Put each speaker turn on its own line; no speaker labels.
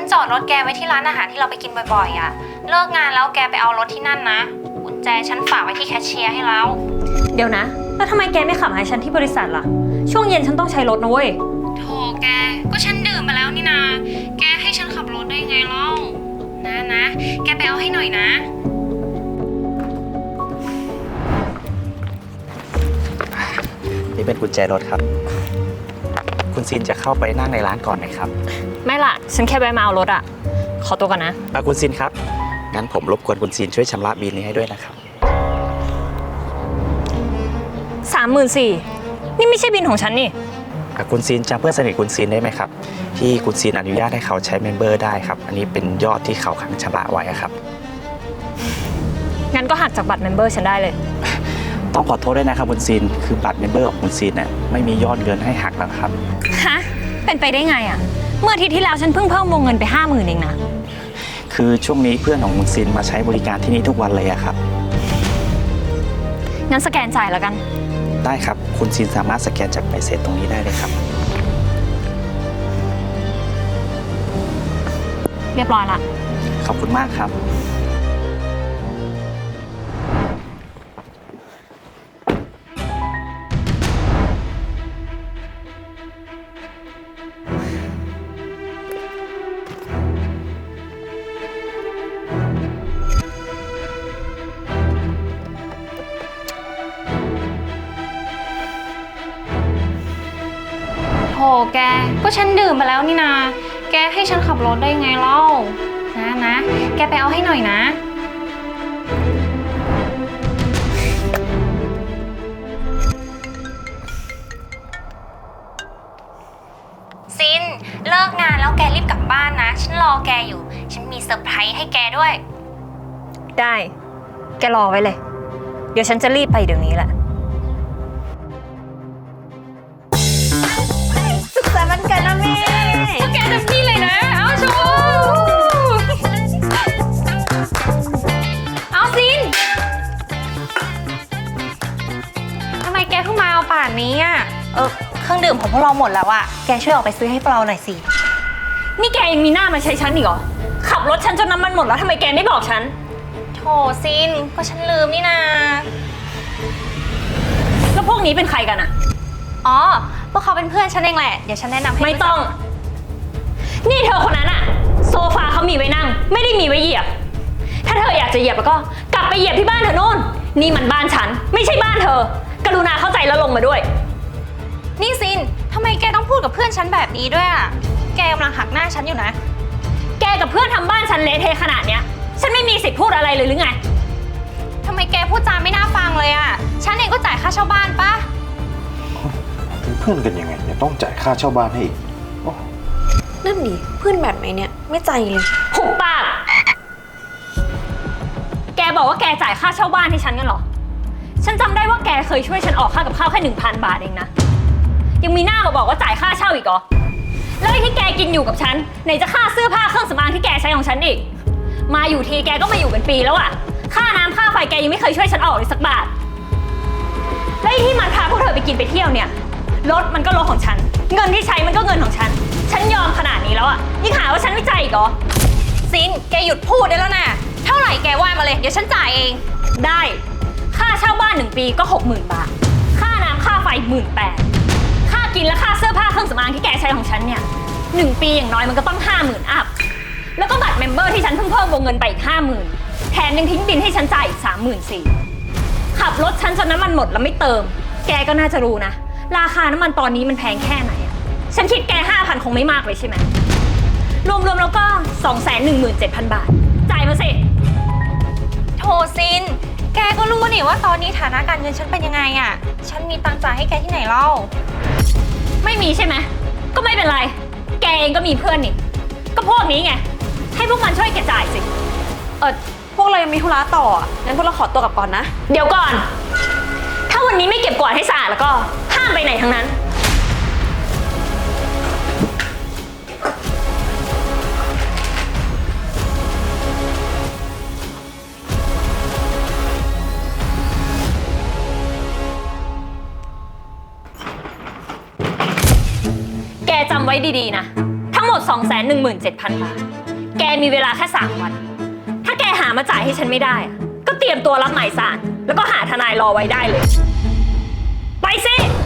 จอดรถแกไว้ที่ร้านอาหารที่เราไปกินบ่อยๆอ่ะเลิกงานแล้วแกไปเอารถที่นั่นนะกุญแจฉันฝากไว้ที่แคชเชียร์ให้เรา
เดี๋ยวนะแล้วทำไมแกไม่ขับมาให้ฉันที่บริษัทล่ะช่วงเย็นฉันต้องใช้รถนะเว้ย
โธ่แกก็ฉันดื่มมาแล้วนี่นาแกให้ฉันขับรถได้ไงเล่านะแกไปเอาให้หน่อยนะ
นี่เป็นกุญแจรถครับคุณซินจะเข้าไปนั่งในร้านก่อนไหมครับ
ไม่ล่ะฉันแค่แวะมาเอารถอ่ะขอตัวก่อนนะ
คุณซินครับงั้นผมรบกวนคุณซินช่วยชำระบิลนี้ให้ด้วยนะครับ
34,000นี่ไม่ใช่บินของฉันนี่
คุณซินจำเพื่อนสนิทคุณซินได้ไหมครับที่คุณซินอนุญาตให้เขาใช้เมมเบอร์ได้ครับอันนี้เป็นยอดที่เขาค้างชำระไว้ครับ
งั้นก็หักจากบัตรเมมเบอร์ฉันได้เลย
ต้องขอโทษด้วยนะครับคุณซินคือบัตรเมมเบอร์ของคุณซินน่ะไม่มียอดเงินให้หักแล้วครับ
ฮะเป็นไปได้ไงอ่ะเมื่ออาทิตย์ที่แล้วฉันเพิ่งเพิ่มวงเงินไป50,000เองนะ
คือช่วงนี้เพื่อนของคุณซินมาใช้บริการที่นี่ทุกวันเลยครับ
งั้นสแกนจ่ายแล้วกัน
ได้ครับคุณซินสามารถสแกนจากใบเสร็จตรงนี้ได้เลยครับ
เรียบร้อยละ
ขอบคุณมากครับ
โธ่แกก็ฉันดื่มมาแล้วนี่นาแกให้ฉันขับรถได้ไงเล่านะแกไปเอาให้หน่อยนะซินเลิกงานแล้วแกรีบกลับบ้านนะฉันรอแกอยู่ฉันมีเซอร์ไพรส์ให้แกด้วย
ได้แกรอไว้เลยเดี๋ยวฉันจะรีบไปเดี๋ยวนี้แหละ
สุขสันต์วันเกิดนะแม่พวกแกเต็มที่เลยนะเอาชูเอาซินทำไมแกเพิ่งมาเอาป่านนี้อ่ะเครื่องดื่มของพวกเราหมดแล้วอ่ะแกช่วยออกไปซื้อให้พวกเราหน่อยสิ
นี่แกยังมีหน้ามาใช้ฉันอีกเหรอขับรถฉันจนน้ำมันหมดแล้วทำไมแกไม่บอกฉัน
โธ่ซินก็ฉันลืมนี่นา
แล้วพวกนี้เป็นใครกันอะ
อ๋อพวกเขาเป็นเพื่อนฉันเองแหละเดี๋ยวฉันแนะนำให้
ไม่ต้องนี่เธอคนนั้นอะโซฟาเขามีไว้นั่งไม่ได้มีไว้เหยียบถ้าเธออยากจะเหยียบแล้วก็กลับไปเหยียบที่บ้านเธอโน่นนี่มันบ้านฉันไม่ใช่บ้านเธอกรุณาเข้าใจแล้วลงมาด้วย
นี่ซินทำไมแกต้องพูดกับเพื่อนฉันแบบนี้ด้วยอะแกกำลังหักหน้าฉันอยู่นะ
แกกับเพื่อนทำบ้านฉันเละเทะขนาดเนี้ยฉันไม่มีสิทธิ์พูดอะไรเลยหรือไง
ทำไมแกพูดจาไม่น่าฟังเลยอะฉันเองก็จ่ายค่าเช่าบ้านปะ
เป็นเพื่อนกันยังไงเนี่ยต้องจ่ายค่าเช่าบ้านให้อีก
นั่นดิเพื่อนแบบไหนเนี่ยไม่ใจเลย
หุบปากแกบอกว่าแกจ่ายค่าเช่าบ้านให้ฉันกันเหรอฉันจำได้ว่าแกเคยช่วยฉันออกค่ากับข้าวแค่ 1,000 บาทเองนะยังมีหน้ามาบอกว่าจ่ายค่าเช่าอีกเหรอแล้วไอ้ที่แกกินอยู่กับฉันไหนจะค่าเสื้อผ้าเครื่องสำอางที่แกใช้ของฉันอีกมาอยู่ทีแกก็มาอยู่เป็นปีแล้วอะค่าน้ำค่าไฟแกยังไม่เคยช่วยฉันออกเลยสักบาทแล้วไอ้ที่มันพาพวกเธอไปกินไปเที่ยวเนี่ยรถมันก็รถของฉันเงินที่ใช้มันก็เงินของฉันฉันยอมขนาดนี้แล้วอะยิ่งหาว่าฉันไม่ใจอีกเหรอ
ซินแกหยุดพูดได้แล้วนะเท่าไหร่แกว่ามาเลยเดี๋ยวฉันจ่ายเอง
ได้ค่าเช่าบ้าน1 ปีก็ 60,000 บาทค่าน้ำค่าไฟ18,000ค่ากินและค่าเสื้อผ้าเครื่องสำอางที่แกใช้ของฉันเนี่ย1 ปีอย่างน้อยมันก็ต้อง50,000อัพแล้วก็บัตรเมมเบอร์ที่ฉันเพิ่งเพิ่มวงเงินไปอีก50,000แถมยังทิ้งบินให้ฉันจ่ายอีก34,000ขับรถฉันจนน้ำมันหมดแล้วไม่เติมแกก็น่าจะรู้นะราคาน้ำมันตอนนี้มันแพงแค่ไหนฉันคิดแก5,000คงไม่มากเลยใช่ไหมรวมๆแล้วก็217,000 บาทจ่ายมาสิ
โธ่ซินแกก็รู้นี่ว่าตอนนี้ฐานะการเงินฉันเป็นยังไงอ่ะฉันมีตังค์จ่ายให้แกที่ไหนเล่า
ไม่มีใช่ไหมก็ไม่เป็นไรแกเองก็มีเพื่อนนี่ก็พวกนี้ไงให้พวกมันช่วยแกจ่ายสิ
พวกเรายังมีธุระต่องั้นพวกเราขอตัวกลับก่อนนะ
เดี๋ยวก่อนถ้าวันนี้ไม่เก็บกวาดให้สะอาดแล้วก็ห้ามไปไหนทั้งนั้นแกจำไว้ดีๆนะทั้งหมด217,000 บาทแกมีเวลาแค่3 วัน ถ้าแกหามาจ่ายให้ฉันไม่ได้อะก็เตรียมตัวรับหมายสารแล้วก็หาทนายรอไว้ได้เลย ไปสิ